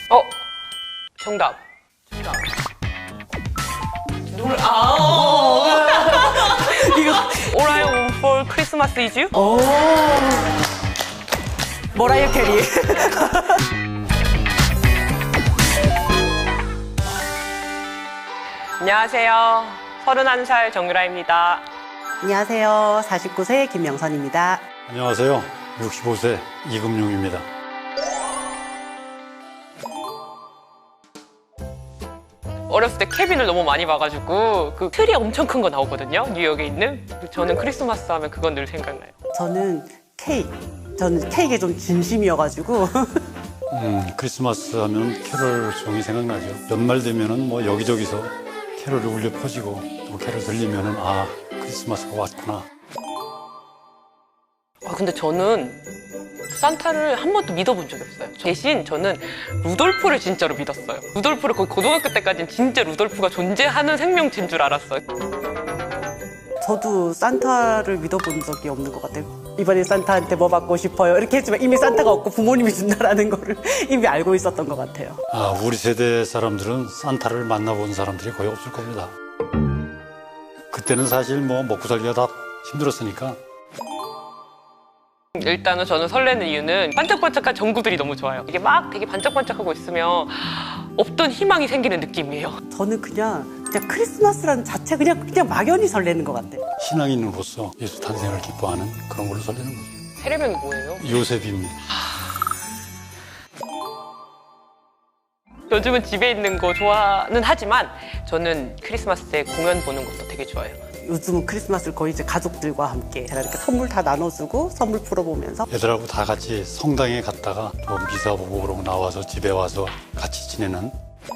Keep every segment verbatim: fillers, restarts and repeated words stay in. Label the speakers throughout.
Speaker 1: 어? 정답. 정답. 노래, 아, 이거. All I Want for Christmas is You?
Speaker 2: 오. 머라이어 캐리.
Speaker 1: 안녕하세요. 서른한 살 정유라입니다.
Speaker 2: 안녕하세요. 사십구 세 김명선입니다.
Speaker 3: 안녕하세요. 육십오 세 이금용입니다.
Speaker 1: 어렸을 때 케빈을 너무 많이 봐가지고 그 틀이 엄청 큰 거 나오거든요. 뉴욕에 있는. 저는 크리스마스 하면 그건 늘 생각나요.
Speaker 2: 저는 케이크. 저는 케이크에 좀 진심이어가지고.
Speaker 3: 음, 크리스마스 하면 캐롤송이 생각나죠. 연말 되면은 뭐 여기저기서 캐롤이 울려 퍼지고 또 캐롤 들리면은 아, 크리스마스가 왔구나.
Speaker 1: 아, 근데 저는 산타를 한 번도 믿어본 적이 없어요. 대신 저는 루돌프를 진짜로 믿었어요. 루돌프를 거의 고등학교 때까지는 진짜 루돌프가 존재하는 생명체인 줄 알았어요.
Speaker 2: 저도 산타를 믿어본 적이 없는 것 같아요. 이번에 산타한테 뭐 받고 싶어요? 이렇게 했지만 이미 산타가 없고 부모님이 준다라는 거를 이미 알고 있었던 것 같아요.
Speaker 3: 아, 우리 세대 사람들은 산타를 만나본 사람들이 거의 없을 겁니다. 그때는 사실 뭐 먹고 살기가 다 힘들었으니까.
Speaker 1: 일단은 저는 설레는 이유는 반짝반짝한 전구들이 너무 좋아요. 이게 막 되게 반짝반짝하고 있으면 없던 희망이 생기는 느낌이에요.
Speaker 2: 저는 그냥 그냥 크리스마스라는 자체 그냥 그냥 막연히 설레는 것 같아요.
Speaker 3: 신앙인으로서 예수 탄생을 기뻐하는 그런 걸로 설레는 거죠.
Speaker 1: 세례명이 뭐예요?
Speaker 3: 요셉입니다.
Speaker 1: 요즘은 집에 있는 거 좋아는 하지만 저는 크리스마스 때 공연 보는 것도 되게 좋아해요.
Speaker 2: 요즘은 크리스마스를 거의 이제 가족들과 함께 제가 이렇게 선물 다 나눠주고 선물 풀어보면서
Speaker 3: 애들하고 다 같이 성당에 갔다가 또 미사 보고 그러고 나와서 집에 와서 같이 지내는.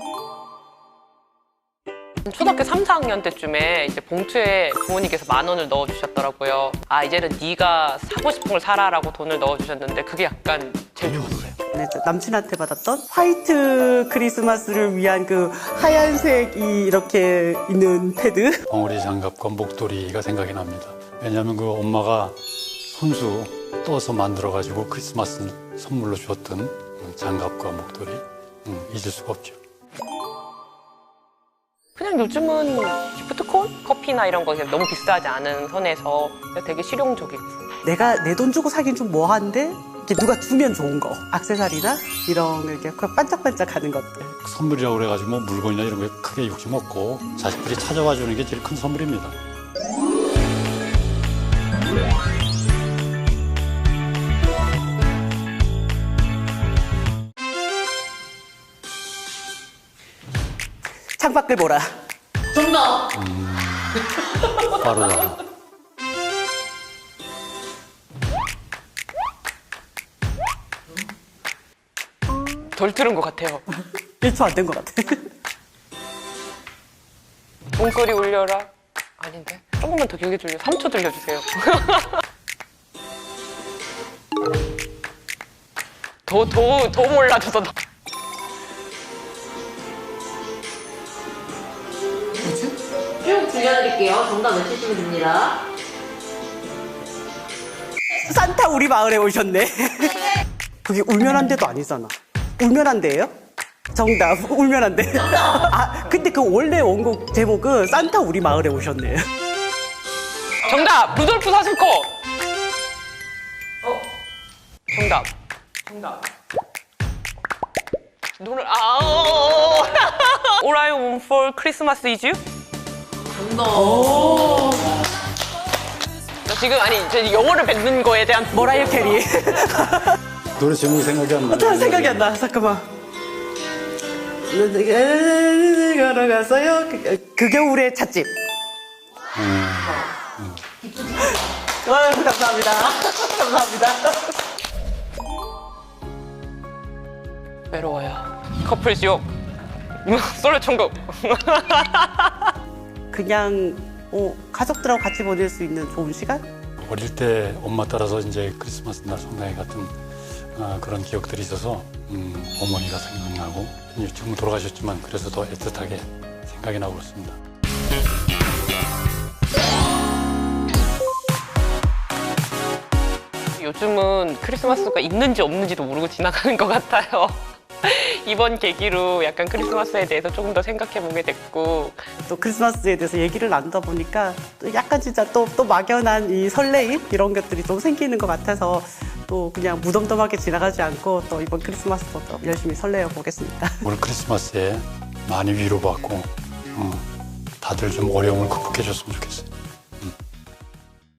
Speaker 1: 초등학교 삼, 사 학년 때쯤에 이제 봉투에 부모님께서 만 원을 넣어주셨더라고요. 아, 이제는 네가 사고 싶은 걸 사라라고 돈을 넣어주셨는데 그게 약간 제일 좋았어요.
Speaker 2: 네, 남친한테 받았던 화이트 크리스마스를 위한 그 하얀색이 이렇게 있는 패드.
Speaker 3: 벙어리 장갑과 목도리가 생각이 납니다. 왜냐하면 그 엄마가 손수 떠서 만들어가지고 크리스마스 선물로 주었던 장갑과 목도리 음, 잊을 수가 없죠.
Speaker 1: 그냥 요즘은 기프트콘? 커피나 이런 거 너무 비싸지 않은 선에서 되게 실용적이고.
Speaker 2: 내가 내 돈 주고 사긴 좀 뭐한데 이렇게 누가 주면 좋은 거. 액세서리나 이런 이렇게 반짝반짝하는 것들.
Speaker 3: 선물이라고 그래가지고 뭐 물건이나 이런 거에 크게 욕심 없고 자식들이 찾아와 주는 게 제일 큰 선물입니다.
Speaker 2: 창밖을 보라.
Speaker 1: 정답!
Speaker 3: 음, 빠르다.
Speaker 1: 덜 들은 것 같아요.
Speaker 2: 일 초 안 된 것 같아.
Speaker 1: 종소리 울려라. 아닌데? 조금만 더 길게 들려. 삼 초 들려주세요. 더, 더, 더 몰라줘서. 나-
Speaker 4: 쭉 들려드릴게요. 정답 외치시면 됩니다.
Speaker 2: 산타 우리 마을에 오셨네. 그게 울면 안 돼도 아니잖아. 울면 안 돼예요? 정답. 울면 안 돼. 아, 근데 그 원래 원곡 제목은 산타 우리 마을에 오셨네.
Speaker 1: 정답! 루돌프 사슴코! 어? 정답. 정답. 노래, 아, 어. All I Want for Christmas is You?
Speaker 4: 정답.
Speaker 1: 나 지금, 아니, 저 영어를 뱉는 거에 대한.
Speaker 2: 머라이어 캐리.
Speaker 3: 노래 제목이 생각이 안 나요.
Speaker 2: 어떡해, 생각이 안 나. 잠깐만. 걸어갔어요. 그, 그 겨울의 찻집.
Speaker 3: 음,
Speaker 2: 어, 감사합니다. 감사합니다.
Speaker 1: 외로워요. 커플 지옥. 솔로 천국.
Speaker 2: 그냥 어, 가족들하고 같이 보낼 수 있는 좋은 시간?
Speaker 3: 어릴 때 엄마 따라서 이제 크리스마스 날 성당에 갔던 아, 그런 기억들이 있어서 음, 어머니가 생각나고 지금 돌아가셨지만 그래서 더 애틋하게 생각이 나고 그렇습니다.
Speaker 1: 요즘은 크리스마스가 있는지 없는지도 모르고 지나가는 것 같아요. 이번 계기로 약간 크리스마스에 대해서 조금 더 생각해보게 됐고
Speaker 2: 또 크리스마스에 대해서 얘기를 나누다 보니까 또 약간 진짜 또, 또 막연한 이 설레임 이런 것들이 좀 생기는 것 같아서 또 그냥 무덤덤하게 지나가지 않고 또 이번 크리스마스도 또 열심히 설레어 보겠습니다.
Speaker 3: 올 크리스마스에 많이 위로받고 어, 다들 좀 어려움을 극복해 줬으면 좋겠어요.